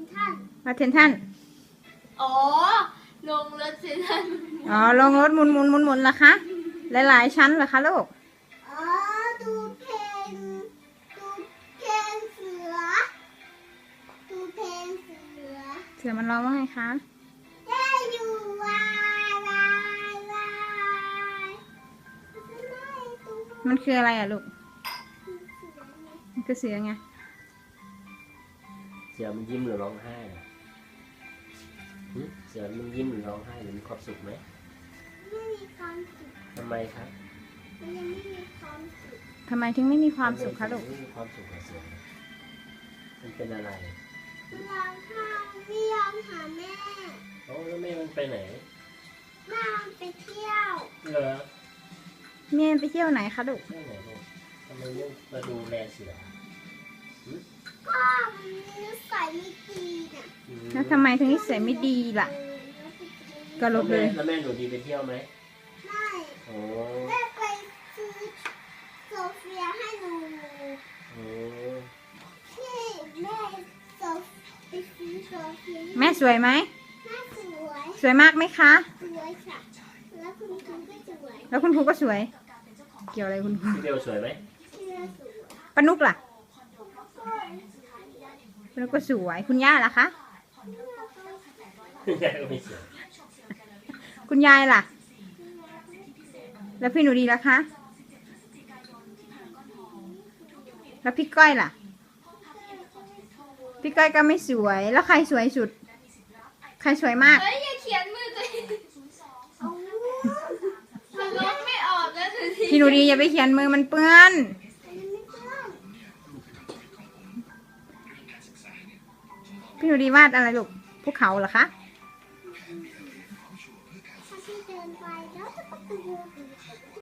รถเทนทันอ๋อลงรถเซนทันอ๋อลงรถหมุนเหรอคะ หลายชั้นเหรอคะลูกอ๋อดูเพลงเสือดูเพลงเสือเสือมันร้องว่าไงคะได้อยู่วายมันคืออะไรอะลูก มันคือเสือไงเสือมันยิ้มหรือร้องไห้อะเสือมันยิ้มหรือร้องไห้หรือมีความสุขไหมไม่มีความสุขทำไมครับมันยังไม่มีความสุขทำไมถึงไม่มีความสุขคะลูกไม่มีความสุขกับเสือมันเป็นอะไรมันร้องไห้ไม่ยอมหาแม่โอ้แล้วแม่มันไปไหนแม่มันไปเที่ยวเหรอเมียไปเที่ยวไหนคะลูกแม่ไหนลูกทำไมไม่มาดูแลเสือก็มันนิสัยไม่ดีน่ะแล้วทำไมถึงนิสัยไม่ดีล่ะ ก็ลบเลยแล้วแม่หนูดีไปเที่ยวไหมไม่โอ้แม่ไปซื้อโซเฟียให้หนูโอ้ที่แม่ไปซื้อโซเฟียให้แม่สวยไหมแม่สวยสวยมากไหมคะสวยค่ะแล้วคุณครูก็สวยแล้วคุณครูก็สวย เกี่ยวอะไรคุณครูพี่เบลสวยไหมที่แม่สวยปานุกล่ะปานุกก็สวย คุณย่าล่ะคะแม่ก็ไม่สวยคุณยายล่ะ แล้วพี่หนูดีล่ะคะ แล้วพี่ก้อยล่ะ พี่ก้อยก็ไม่สวย แล้วใครสวยสุด ใครสวยมากเฮ้ยอย่าเขียนมือตัวเองมันลบไม่ออกแล้วสิพี่หนูดีอย่าไปเขียนมือมันเปื้อน พี่หนูดีวาดอะไรลูก ภูเขาเหรอคะถ้าพี่เดินไปแล้วจะประตู